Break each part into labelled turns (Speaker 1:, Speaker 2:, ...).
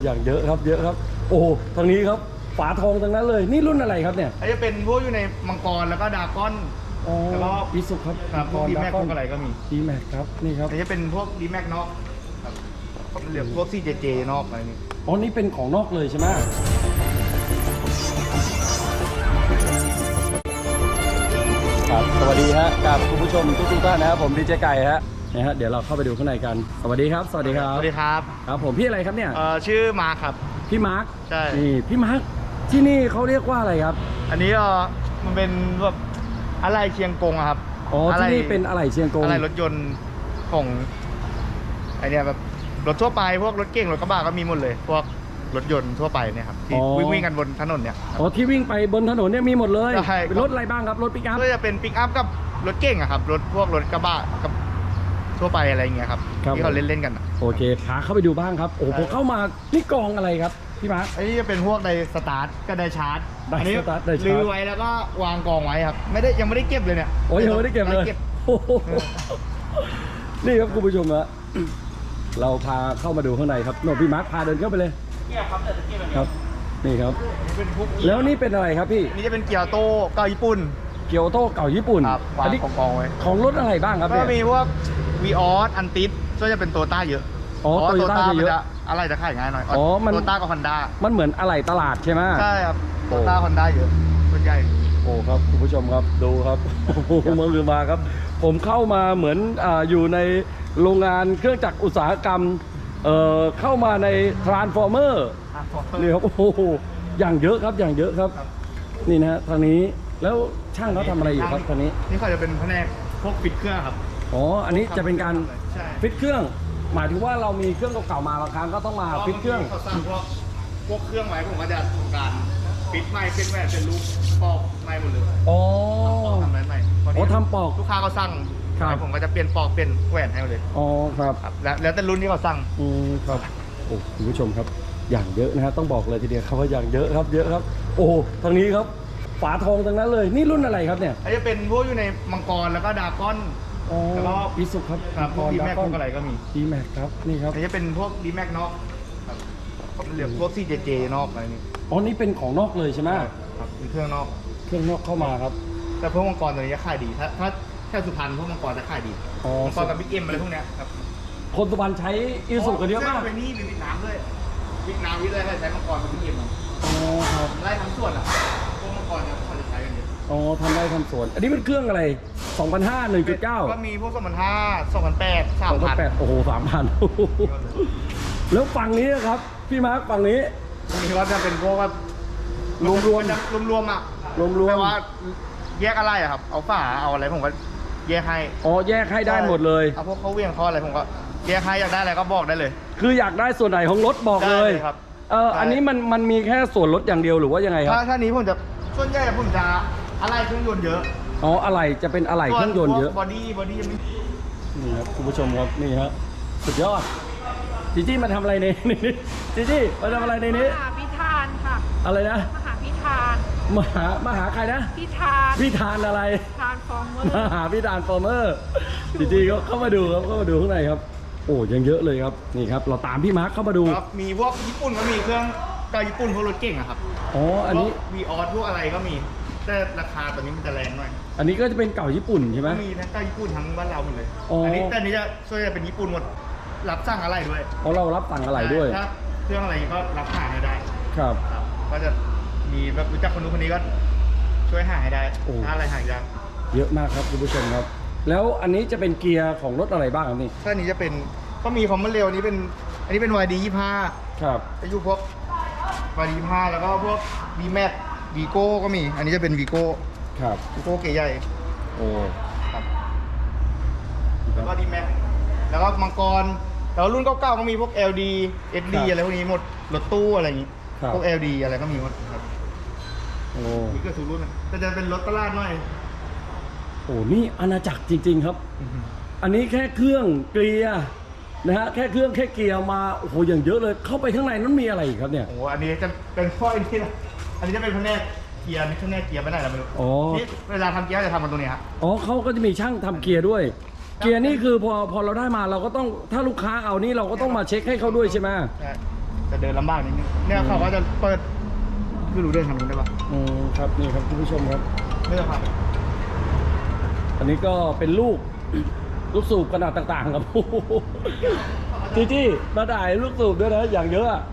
Speaker 1: อย่างเยอะครับเยอะครับโอ้ทางนี้ครับฝาทองทั้งนั้นเลยนี่รุ่นอะไรครับเนี่ย
Speaker 2: อันนี้เป็นพวกอยู่ในมังกรแล้วก็ดราก้อนแล้วก็
Speaker 1: อีสุครับ
Speaker 2: พวกดีแม็กพวกอะไรก็มี
Speaker 1: ดีแม็กครับนี่ครับ
Speaker 2: อันนี้เป็นพวกดีแม็กนอกครับเหลือพวกCJJนอกอะไรนี่
Speaker 1: อ๋อนี่เป็นของนอกเลยใช่ไหมครับสวัสดีฮะกับคุณผู้ชมทุกท่านนะครับผมดีเจไก่ฮะนะฮะเดี๋ยวเราเข้าไปดูข้างในกันสวัสดีครับสวัสดีครับ
Speaker 2: สวัสดีครับ
Speaker 1: ครับผมพี่อะไรครับเนี่ย
Speaker 2: ชื่อมาร์คครับ
Speaker 1: พี่มาร์ค
Speaker 2: ใช่
Speaker 1: นี่พี่มาร์คที่นี่เขาเรียกว่าอะไรครับ
Speaker 2: อันนี้มันเป็นแบบอะไรเชียงกงครับ
Speaker 1: อ๋อที่นี่เป็นอะไรเชียงกง
Speaker 2: อะไรรถยนต์ของไอเนี้ยแบบรถทั่วไปพวกรถเก่งรถกระบะก็มีหมดเลยพวกรถยนต์ทั่วไปเนี่ยครับที่วิ่งกันบนถนนเนี่ย
Speaker 1: อ๋อที่วิ่งไปบนถนนเนี่ยมีหมดเลย
Speaker 2: ใช่
Speaker 1: เป็นรถอะไรบ้างครับรถปิกอัพ
Speaker 2: ก็จะเป็นปิกอัพกับรถเก่งอะครับพวกรถกระบะกับทั่วไปอะไรเงี้ยครับที่เขาเล่นกัน
Speaker 1: โอเคพาเข้าไปดูบ้างครับโอ้ผมเข้ามานี่กองอะไรครับพี่มาร์ค
Speaker 2: อันนี้จะเป็นพวกไดสตาร์ทกับไดชาร์จ
Speaker 1: อันนี้
Speaker 2: ลื้อไว้แล้วก็วางกองไว้ครับยังไม่ได้เก็บเลยเนี่ย
Speaker 1: โอ้ยยังไม่ได้เก็บเลยนี่ครับคุณผู้ชมฮะเราพาเข้ามาดูข้างในครับโน่พี่มาร์คพาเดินเข้าไปเลยครับนี่ครับแล้วนี่เป็นอะไรครับพี่
Speaker 2: นี่จะเป็นเกียวโต้เก่าญี่ปุ่น
Speaker 1: เกียวโต้เก่าญี่ปุ่น
Speaker 2: อันนี้กองไว้
Speaker 1: ของรถอะไรบ้างครับ
Speaker 2: ก็มีพวกวีออสอันติสก็จะเป็นโตต้าเยอะ
Speaker 1: อ๋อโตโยต้าเยอะ
Speaker 2: อะไรจะขายง่ายหน่อย
Speaker 1: อ๋อมัน
Speaker 2: โตต้ากับฮอนด้า
Speaker 1: มันเหมือนอะไรตลาดใช่ไหม
Speaker 2: ใช่ครับโตต้าฮอนด้าเยอะส่วนใหญ่
Speaker 1: โอ้ครับคุณผู้ชมครับดูครับเมืองลือมาครับผมเข้ามาเหมือนอยู่ในโรงงานเครื่องจักรอุตสาหกรรมเข้ามาในทรานส์ฟอร์เมอร์นี่ครับโอ้โหอย่างเยอะครับอย่างเยอะครับนี่นะทางนี้แล้วช่างเขาทำอะไรอยู่ครับทางนี้
Speaker 2: นี่เขาจะเป็นแผนกพวกฟิตเครื่องครับ
Speaker 1: อ๋ออันนี้จะเป็นการฟิตเครื่องหมายถึงว่าเรามีเครื่องเก่าๆมาบางครั้งก็ต้องมาฟิตเครื่อง
Speaker 2: เขาสร้างพวกเครื่องไว้ผมก็จะทำการฟิตใหม่เป็นแหวนเป็นลูกปอกใหม่หมดเลย
Speaker 1: อ๋อ
Speaker 2: ทำใหม่
Speaker 1: อ๋อทำปอก
Speaker 2: ลูกค้าเขาสั่งผมก็จะเปลี่ยนปอกเป็นแหวนให้เลย
Speaker 1: อ๋อครับ
Speaker 2: แล้วแต่รุ่นที่เขาสั่ง
Speaker 1: ครับโอ้คุณผู้ชมครับอย่างเยอะนะฮะต้องบอกเลยทีเดียวครับว่าอย่างเยอะครับเยอะครับโอ้ทางนี้ครับฝาทองทั้งนั้นเลยนี่รุ่นอะไรครับเนี่ย
Speaker 2: อันนี้เป็นพวกอยู่ในมังกรแล้วก็ดราก้อน
Speaker 1: แล้วก็อีสุครับ
Speaker 2: พวกดีแม็กพวกอะไรก็มี
Speaker 1: ดีแม็กครับนี่ครับ
Speaker 2: อันนี้เป็นพวกดีแม็กนอกเหลือพวกCJJนอกอะไรนี่
Speaker 1: อ๋อนี่เป็นของนอกเลยใช่ไหม
Speaker 2: ครับมีเครื่องนอก
Speaker 1: เข้ามาครับ
Speaker 2: แต่พวกมังกรตัวนี้จะขายดีถ้าแค่สุพรรณพวกมังกรจะขายดีมังกรกับบิ๊กเอ็มอะไรพวกเนี้ยครับ
Speaker 1: คนสุพรรณใช้อีสุกันเยอะมาก
Speaker 2: ไปนี่มีวิทน้ำด้วยวิทน้ำวิทอะไรใช้มังกรกับบิ๊กเอ็ม
Speaker 1: อ๋อครับ
Speaker 2: ไล่ทำส่วนอ่ะพวกมังกรเนี่ยเขาจะใช้กันเยอะ
Speaker 1: อ๋อทำได้ทำสวนอันนี้เป็นเครื่องอะไร2005 1.9
Speaker 2: ก็มีพวก2005 2008
Speaker 1: 3000โอ้โห 3,000 แล้วฝั่งนี้ครับพี่มาร์คฝั่งนี้
Speaker 2: มีว่าจะเป็นพวกว่ารวมอ่ะแปลว่าแยกอะไรอะครับเอาฝาเอาอะไรผมก็แยกให้
Speaker 1: อ๋อแยกให้ได้หมดเลย
Speaker 2: เอาพวกเขาเวียงเขาอะไรผมก็แยกให้อยากได้อะไรก็บอกได้เลย
Speaker 1: คืออยากได้ส่วนไหนของรถบอกเลย
Speaker 2: ครับ
Speaker 1: อันนี้มันมีแค่ส่วนรถอย่างเดียวหรือว่ายังไงครับ
Speaker 2: ถ้านี้ผมจะส่วนใหญ่ผมจะอะไรเครื่องยนต์เยอะ
Speaker 1: อ๋ออะไรจะเป็นอะไรเครื่องยนต์เยอะ
Speaker 2: บอดี้ยังไม่
Speaker 1: นี่ครับคุณผู้ชมครับนี่ฮะสุดยอดจีจี้มาทำอะไรในนี้จีจี้มาทำอะไรในนี้
Speaker 3: มหาพิธานค่ะ
Speaker 1: อะไรนะ
Speaker 3: มหาพิธาน
Speaker 1: มหาใครนะ
Speaker 3: พิธาน
Speaker 1: อะไร
Speaker 3: ทานฟอร์เมอร์
Speaker 1: มหาพิธานฟอร์เมอร์จีจี้ก็เข้ามาดูครับเข้ามาดูข้างในครับโอ้ยังเยอะเลยครับนี่ครับเราตามพี่มาร์คเข้ามาดู
Speaker 2: มีพวกญี่ปุ่นก็มีเครื่องเก่าญี่ปุ่นพวกรถเก่งอะครับ
Speaker 1: อ๋ออันนี้
Speaker 2: วีออสพวกอะไรก็มีแต่ราคาตอนนี้มันจะแรงหน่อย
Speaker 1: อันนี้ก็จะเป็นเก่าญี่ปุ่นใช่ไหม
Speaker 2: มีทั้งเก่าญี่ปุ่นทั้งบ้านเราหมดเลยอันนี้แต่นี้จะช่วยเป็นญี่ปุ่นหมดรับสั่งอะไรด้วย
Speaker 1: เพราะเรารับสั่งอะไรด้วย
Speaker 2: ถ้าเครื่องอะไรก็รับหาให้ได้
Speaker 1: ครับ
Speaker 2: ก็จะมีแบบรู้จักคนนู้นคนนี้ก็ช่วยหาให้ได้ถ้าอะไรหายาก
Speaker 1: เยอะมากครับคุณผู้ชมครับแล้วอันนี้จะเป็นเกียร์ของรถอะไรบ้างครับนี่
Speaker 2: ถ้านี้จะเป็นก็มีความเร็วอันนี้เป็น YD 25
Speaker 1: ครับ
Speaker 2: จะอยู่พวก YD 25แล้วก็พวก D-Max วีโก้ก็มีอันนี้จะเป็นวีโก้
Speaker 1: ครับ
Speaker 2: วีโก้เก๋ใหญ่
Speaker 1: โอ้
Speaker 2: ครับแล้วก็ D-Max แล้วก็มังกรแล้วรุ่นเก่าๆก็มีพวก LD SD อะไรพวกนี้หมดรถตู้อะไรอย่างนี้พวก LD อะไรก็มีหมดครับ
Speaker 1: โอ้
Speaker 2: มีเกือบทุกรุ่นแต่จะเป็นรถตลาดหน่อย
Speaker 1: โอ้นี่อาณาจักรจริงๆครับอันนี้แค่เครื่องเกียร์นะฮะแค่เครื่องแค่เกียร์มาโอ้โหอย่างเยอะเลยเข้าไปข้างในนั้นมีอะไรอีกครับเนี่ย
Speaker 2: โอ้อันนี้จะเป็นข้อนี้นะอันนี้จะเป็นแผนกเกียร์นี่แผนกเกียร์ไม่ได้เราไม่รู้ที่เวลาทำเกียร์จะทำมันตรงนี้ครับ
Speaker 1: อ๋อเขาก็จะมีช่างทำเกียร์ด้วยเกียร์นี่คือพอเราได้มาเราก็ต้องถ้าลูกค้าเอานี่เราก็ต้องมาเช็คให้เขาด้วยใช่ไหม
Speaker 2: จะเดินลำบากนิดนึงเนี่ยเขาก็จะเปิดไม่รู้เดินทางนู้นได้ปะ
Speaker 1: ครับนี่ครับคุณผู้ชมครับ
Speaker 2: ไม่ต้องครับ
Speaker 1: อันนี้ก็เป็นลูกสูบขนาดต่างๆครับ จี้มาถ่ายลูกสูบด้วยนะอย่างเยอะอะ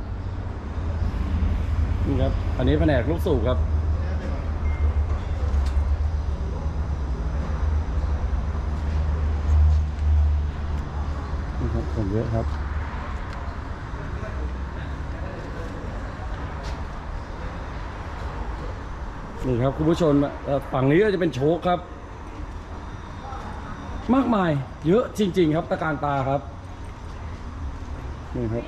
Speaker 1: นี่ครับอันนี้แผนกลูกสูบครับนี่ครับผมเยอะครับนี่ครับคุณผู้ชมฝั่งนี้ก็จะเป็นโชคครับมากมายเยอะจริงๆครับตะการตาครับนี่ครับ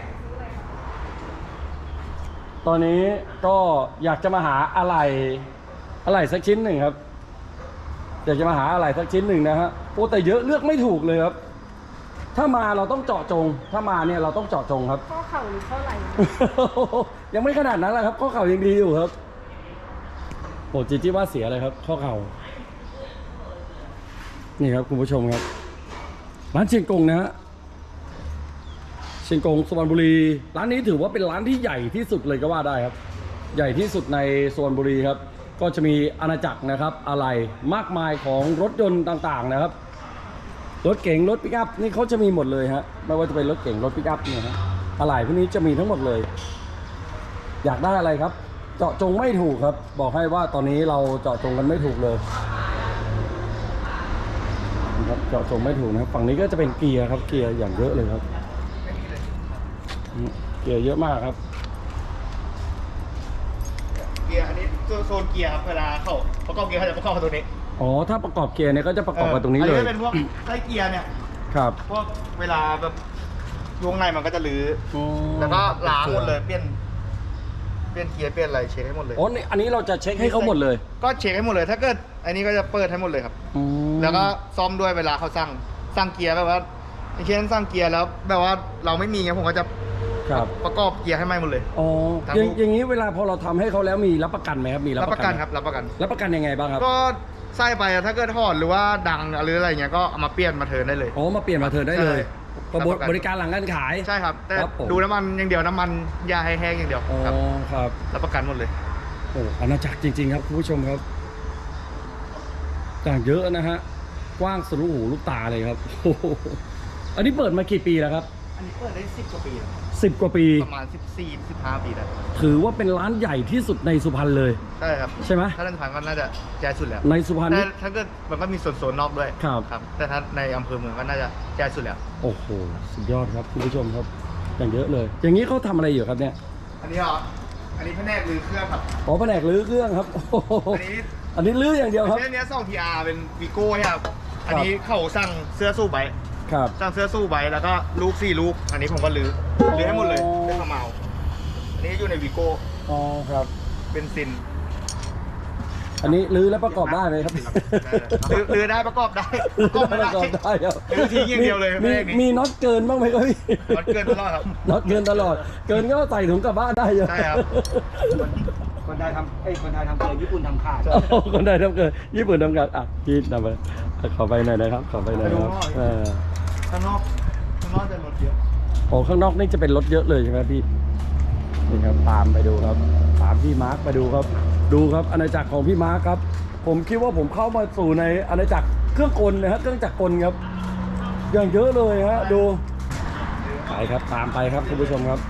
Speaker 1: ตอนนี้ก็อยากจะมาหาอะไรสักชิ้นหนึ่งครับอยากจะมาหาอะไรสักชิ้นหนึ่งนะฮะโอ้แต่เยอะเลือกไม่ถูกเลยครับถ้ามาเราต้องเจาะจงถ้ามาเนี่ยเราต้องเจาะจงครับ
Speaker 3: ข้อเข่าหรือข้อไหล่
Speaker 1: ยังไม่ขนาดนั้นแหละครับข้อเข่ายังดีอยู่ครับโอ้จีว่าเสียเลยครับข้อเข่านี่ครับคุณผู้ชมครับร้านเชียงกงนะฮะเชียงกงสุพรรณบุรีร้านนี้ถือว่าเป็นร้านที่ใหญ่ที่สุดเลยก็ว่าได้ครับใหญ่ที่สุดในสุพรรณบุรีครับก็จะมีอาณาจักรนะครับอะไรมากมายของรถยนต์ต่างๆนะครับรถเก๋งรถปิกอัพนี่เขาจะมีหมดเลยฮะไม่ว่าจะเป็นรถเก๋งรถปิกอัพเนี่ยฮะอะไรพวกนี้จะมีทั้งหมดเลยอยากได้อะไรครับเจาะจงไม่ถูกครับบอกให้ว่าตอนนี้เราเจาะจงกันไม่ถูกเลยครับเจาะจงไม่ถูกนะครับฝั่งนี้ก็จะเป็นเกียร์ครับเกียร์อย่างเยอะเลยครับเกียร์เยอะมากครับ
Speaker 2: เกียร์อันนี้โซนเกียร์ครับเวลาเขาประกอบเกียร์เขาจะประกอบกับตัวนี้
Speaker 1: อ๋อถ้าประกอบเกียร์เนี่ยก็จะประกอบกับตรงนี้เลย
Speaker 2: อันนี้เป็นพวกไส้เกียร์เนี่ย
Speaker 1: ครับ
Speaker 2: พวกเวลาแบบวงในมันก็จะรื้ออแล้วก็ล้างหมดเลยเปลี่ยนเกียร์เปลี่ยนอะไรเช็คให้หมดเลย
Speaker 1: อ๋ออันนี้เราจะเช็คให้เขาหมดเลย
Speaker 2: ก็เช็คให้หมดเลย ถ้าเกิดอันนี้ก็จะเปิดให้หมดเลยครับ แล้วก็ซ่อมด้วยเวลาเขาสั่งเกียร์แบบว่าอย่างเช่นสั่งเกียร์แล้วแบบว่าเราไม่มีไงผมก็จะ
Speaker 1: ครับ
Speaker 2: ประกอบเกียร์ให้ใหม่หมดเลย
Speaker 1: อ๋อ
Speaker 2: ครับ
Speaker 1: อย่างนี้เวลาพอเราทำให้เขาแล้วมีรับประกันไหมครับมี
Speaker 2: รับประกัน
Speaker 1: ไหม
Speaker 2: ครับรับประกัน
Speaker 1: รับประกันยังไงบ้างครับ
Speaker 2: ก็ใส่ไปอะถ้าเกิดถอดหรือว่าดังหรืออะไรเงี้ยก็เอามาเปลี่ยนมาเทิร์นได้เลย
Speaker 1: อ๋อมาเปลี่ยนมาเธอได้เลย
Speaker 2: ใช่
Speaker 1: ก็
Speaker 2: รับประกัน
Speaker 1: บริการหลังการขาย
Speaker 2: ใช่ครับ แต่
Speaker 1: ครับผม
Speaker 2: ดูน้ำมันอย่างเดียวน้ำมันยาให้แห้งอย่างเดียว
Speaker 1: อ๋อ
Speaker 2: ครับ
Speaker 1: ครับ
Speaker 2: รับประกันหมดเลย
Speaker 1: โอ้อาณาจักรจริงๆครับคุณผู้ชมครับอย่างเยอะนะฮะกว้างสุดลูกหูลูกตาเลยครับ โอ้โหอันนี้เปิดมากี่ปีแล้วครับ
Speaker 2: อันนี้เปิดได้10 กว่าปีแล้ว
Speaker 1: 10 กว่าปี
Speaker 2: ประมาณ14-15 ปีแล้ว
Speaker 1: ถือว่าเป็นร้านใหญ่ที่สุดในสุพรรณเลย
Speaker 2: ใช่ครับ
Speaker 1: ใช่ไหม
Speaker 2: ถ้าเล่นผ่านก็น่าจะแย่สุดแล้ว
Speaker 1: ในสุพรรณ
Speaker 2: แต่
Speaker 1: นี่
Speaker 2: ถ้าเกิดมันก็มีโซนนอกด้วย
Speaker 1: ครับ
Speaker 2: แต่ถ้าในอำเภอเมืองก็น่าจะแย่สุดแล้ว
Speaker 1: โอ้โหสุดยอดครับคุณผู้ชมครับอย่างเยอะเลย อย่างนี้เขาทำอะไรอยู่ครับเนี่ย
Speaker 2: อันนี้เหรออันนี้แผนกรื้อเครื่องครับ
Speaker 1: อ๋อแผนกรื้อเครื่องครับโอ้โห
Speaker 2: อันนี้
Speaker 1: อันนี้รื้ออย่างเดียวครับ
Speaker 2: เนี้ย2 PR เป็นวีโก้ครับ อันนี้เขาสั่งเสื้อสู้ไบ
Speaker 1: ครับ
Speaker 2: สั่งเสื้อสู้ไบแล้วก็ลูก4 ลูก อันนี้ผมก็รื้อให้หมดเลย
Speaker 1: อ๋อ
Speaker 2: เป็นขมเมาอันนี้อยู่ในวีโก้
Speaker 1: อ๋อครับ
Speaker 2: เป็นซิน
Speaker 1: อันนี้รื้อแล้วประกอบได้ไหมครับ
Speaker 2: รื้อได้ประกอบได้ประกอบไม่
Speaker 1: ประกอบ
Speaker 2: ได้
Speaker 1: ได้ครับ
Speaker 2: รื้อทิ้งอย่างเดียวเลย
Speaker 1: มี
Speaker 2: แผนกนี้
Speaker 1: มีน็อตเกินบ้างไหมครับพี่
Speaker 2: มันเกินตลอดครับ
Speaker 1: น็อตเกินตลอด เกินก็ใส่ถุงกลับบ้านได้อยู่
Speaker 2: ใช่ครับ
Speaker 4: คนไทยทำคนไทยทำเกินญี่ปุ่นทำขาด
Speaker 1: โอ้โหคนไทยทำเกินญี่ปุ่นทำกันอ่ะพี่นำไปขอไปหน่อยนะครับขอไปหน่อยนะครับ
Speaker 2: ข้างนอกจะลดเยอะ
Speaker 1: โอ้ข้างนอกนี่จะเป็นรถเยอะเลยใช่ไหมพี่นี่ครับตามไปดูครับตามพี่มาร์คไปดูครับ ดูครับอาณาจักรของพี่มาร์คครับ ผมคิดว่าผมเข้ามาสู่ในอาณาจักรเครื่องกลนะฮะเครื่องจักรกลครับอย่างเยอะเลยฮะดูไปครับตามไปครับคุณผู้ชมครับ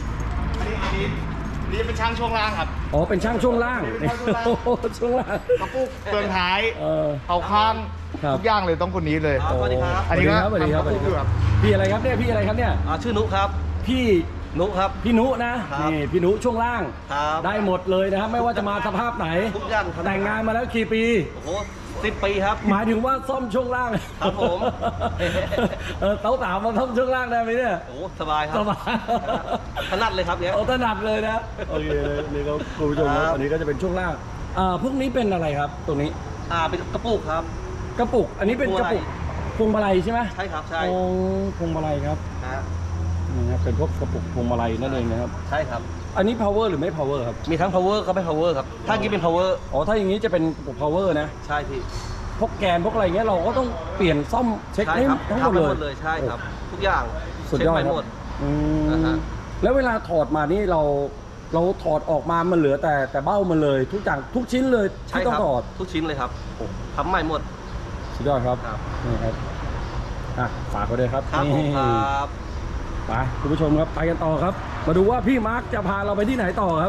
Speaker 2: นี่เป็นช่างช่วงล่างครับ
Speaker 1: อ๋อเป็นช่างช่วงล่าง
Speaker 2: เป็นช่างช่วงล่าง
Speaker 1: โอ้โหช่วงล่าง
Speaker 2: กระปุกเปลืองท้าย
Speaker 1: เอา
Speaker 2: ข้าง
Speaker 1: ครับ
Speaker 2: ทุกอย่างเลยต้องคนนี้เลย
Speaker 4: สวัสดีครับ
Speaker 2: อันนี้ก็
Speaker 1: สวัสดีครับ
Speaker 2: ทำกระปุกอยู่ครับ
Speaker 1: พี่อะไรครับเนี่ยพี่อะไรครับเนี่ย
Speaker 4: ชื่อนุครับ
Speaker 1: พี่
Speaker 4: นุครับ
Speaker 1: พี่นุนะครับ นี่พี่นุช่วงล่าง
Speaker 4: ครับ
Speaker 1: ได้หมดเลยนะครับไม่ว่าจะมาสภาพไหน
Speaker 4: ทุกอย่างครับ
Speaker 1: แต่งงานมาแล้วกี่ปี
Speaker 4: โอ้โห10 ปีครับ
Speaker 1: หมายถึงว่าซ่อมช่วงล่าง
Speaker 4: ครับผม
Speaker 1: เต้าสาวมาซ่อมช่วงล่างได้ไหมเนี่ย
Speaker 4: โอ้โหสบายครั
Speaker 1: ส
Speaker 4: บ
Speaker 1: บาย
Speaker 4: ถนัดเลยครับเนี่ย
Speaker 1: เอาถนัดเลยนะโอเคนี่ก็คุณผู้ชมครับ
Speaker 4: ครับ
Speaker 1: อันนี้ก็จะเป็นช่วงล่างพวกนี้เป็นอะไรครับ ตรงนี้
Speaker 4: เป็นกระปุกครับ
Speaker 1: กระปุก อันนี้เป็นกระปุกพวงมาลัยใช่ไหม
Speaker 4: ใช่ครับใช่
Speaker 1: โอ้พวงมาลัยครับ
Speaker 4: ฮะ
Speaker 1: นี่ครับเป็นพวกกระปุกพวงมาลัยนั่นเองนะครับ
Speaker 4: ใช่ครับ
Speaker 1: อันนี้ power หรือไม่ power ครับ
Speaker 4: มีทั้ง power ก็ไม่ power ครับ ถ้ากี้เป็น power
Speaker 1: อ๋อถ้าอย่างนี้จะเป็นกระปุก power นะ
Speaker 4: ใช่พี่
Speaker 1: พวกแกนพวกอะไรเงี้ยเราก็ต้องเปลี่ยนซ่อมเช็ค
Speaker 4: ใช่
Speaker 1: ให้
Speaker 4: ครับ
Speaker 1: ทั้งหมด
Speaker 4: ทำ
Speaker 1: เลย
Speaker 4: หมดเลยใช่ครับ ทุกอย่าง
Speaker 1: สุด
Speaker 4: เช็ค
Speaker 1: ยอด
Speaker 4: ไป
Speaker 1: ครับ
Speaker 4: หมด
Speaker 1: อื
Speaker 4: นะ
Speaker 1: ม
Speaker 4: ฮะ
Speaker 1: แล้วเวลาถอดมานี่เราถอดออกมามันเหลือแต่เบ้ามันเลย ทุกอย่างทุกชิ้นเลย
Speaker 5: ใช่
Speaker 1: ที่ต้อ
Speaker 5: ค
Speaker 1: ง
Speaker 5: รั
Speaker 1: ถอด
Speaker 5: ทุกชิ้นเลยครับทำใหม่หมด
Speaker 1: สุดยอดครับ
Speaker 5: ครับ
Speaker 1: นี่ครับฝากเขาด้วยครับ
Speaker 5: ครับผม
Speaker 1: นี่
Speaker 5: ครับ
Speaker 1: ไปคุณผู้ชมครับไปกันต่อครับ มาดูว่าพี่มาร์คจะพาเราไปที่ไหนต่อครับ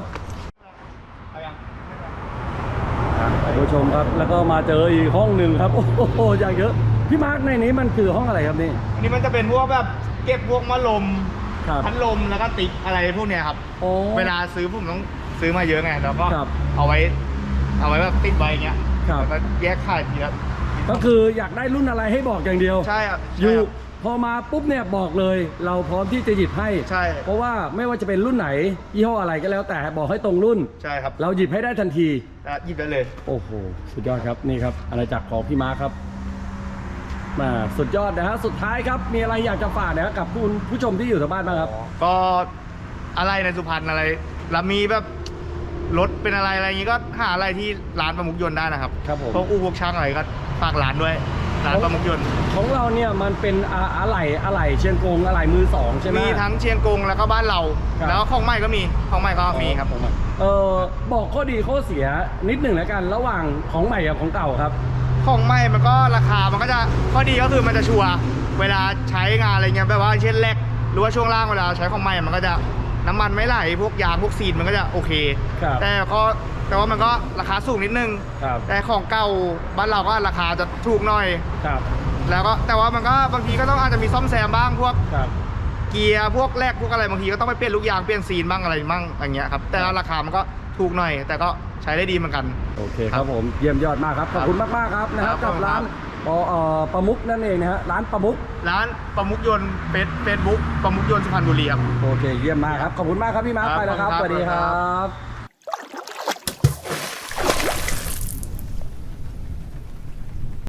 Speaker 1: คุณผู้ชมครับแล้วก็มาเจออีกห้องหนึ่งครับโอ้โหอย่างเยอะพี่มาร์คในนี้มันคือห้องอะไรครับนี่
Speaker 2: อันนี้มันจะเป็นพวกแบบเก็บพวกมะลม
Speaker 1: ครับ
Speaker 2: พัดลมแล้วก็ติ๊กอะไรพวกเนี้ยครับ
Speaker 1: โอ้
Speaker 2: เวลาซื้อผมต้องซื้อมาเยอะไงแล้วก็
Speaker 1: ครับ
Speaker 2: เอาไว้แบบติดไว้อย่างเงี้ย
Speaker 1: ครับ
Speaker 2: แล้วก็แยกขายทีละ
Speaker 1: ก็คืออยากได้รุ่นอะไรให้บอกอย่างเดียว
Speaker 2: ใช่ครับ
Speaker 1: อยู่
Speaker 2: ใช่ครับ
Speaker 1: พอมาปุ๊บเนี่ยบอกเลย เราพร้อมที่จะหยิบให้
Speaker 2: ใช่
Speaker 1: เพราะว่าไม่ว่าจะเป็นรุ่นไหนยี่ห้ออะไรก็แล้วแต่บอกให้ตรงรุ่น
Speaker 2: ใช่ครับ
Speaker 1: เราหยิบให้ได้ทันที
Speaker 2: แล้วหยิบได้เลย
Speaker 1: โอ้โหสุดยอดครับนี่ครับอาณาจักรของพี่มาร์คครับมาสุดยอดนะฮะสุดท้ายครับมีอะไรอยากจะฝากนะครับกับคุณผู้ชมที่อยู่ทางบ้านบ้างครับ
Speaker 2: ก็อะไรในสุพรรณอะไรแล้วมีแบบรถเป็นอะไรอย่างงี้ก็หาอะไรที่ร้านประมุกยนต์ได้นะครับ
Speaker 1: ครับผม
Speaker 2: พวกพวกช่างอะไรก็ฝากร้านด้วยร้านประมุกยนต์
Speaker 1: ของเราเนี่ยมันเป็นอะไหล่เชียงกงอะไหล่มือสองใช่ไหม
Speaker 2: มีทั้งเชียงกงแล้วก็บ้านเรา
Speaker 1: ครับ
Speaker 2: แล้วก็ของใหม่ก็มีของใหม่ก็มีครับ
Speaker 1: บอกข้อดีข้อเสียนิดหนึ่งแล้วกันระหว่างของใหม่กับของเก่าครับ
Speaker 2: ของใหม่มันก็ราคามันก็จะข้อดีก็คือมันจะชัวร์เวลาใช้งานอะไรเงี้ยแบบว่าเช่นแรกหรือว่าช่วงล่างเวลาใช้ของใหม่มันก็จะน้ำมันไม่ไหลพวกยางพวกซีนมันก็จะโอเค
Speaker 1: ครับ
Speaker 2: แต่ว่ามันก็ราคาสูงนิดนึง
Speaker 1: ครับ
Speaker 2: แต่ของเก่าบ้านเราก็ราคาจะถูกหน่อย
Speaker 1: ครับ
Speaker 2: แล้วก็แต่ว่ามันก็บางทีก็ต้องอาจจะมีซ่อมแซมบ้างพวก
Speaker 1: ครับ
Speaker 2: เกียร์พวกแรกพวกอะไรบางทีก็ต้องไปเปลี่ยนลูกยางเปลี่ยนซีนบ้างอะไรบ้างอย่างเงี้ยครับแต่ราคามันก็ถูกหน่อย แต่ก็ใช้ได้ดีเหมือนกัน
Speaker 1: โอเคครับผมเยี่ยมยอดมากครับขอบคุณมากๆครับนะครับ
Speaker 2: ครั
Speaker 1: กั
Speaker 2: บบ
Speaker 1: ร้านประมุกนั่นเองนะฮะร้านประมุก
Speaker 2: ร้านประมุกยนต์เฟซบุ๊กประมุกยนต์สุพรรณบุรีครับ
Speaker 1: โอเคเยี่ยมมากครับขอบคุณมากครับพี่มาร์ค
Speaker 2: ครับ
Speaker 1: ไปแล้วครับ
Speaker 2: ขอบ
Speaker 1: ส
Speaker 2: คุณครับ
Speaker 1: วัสดีครับ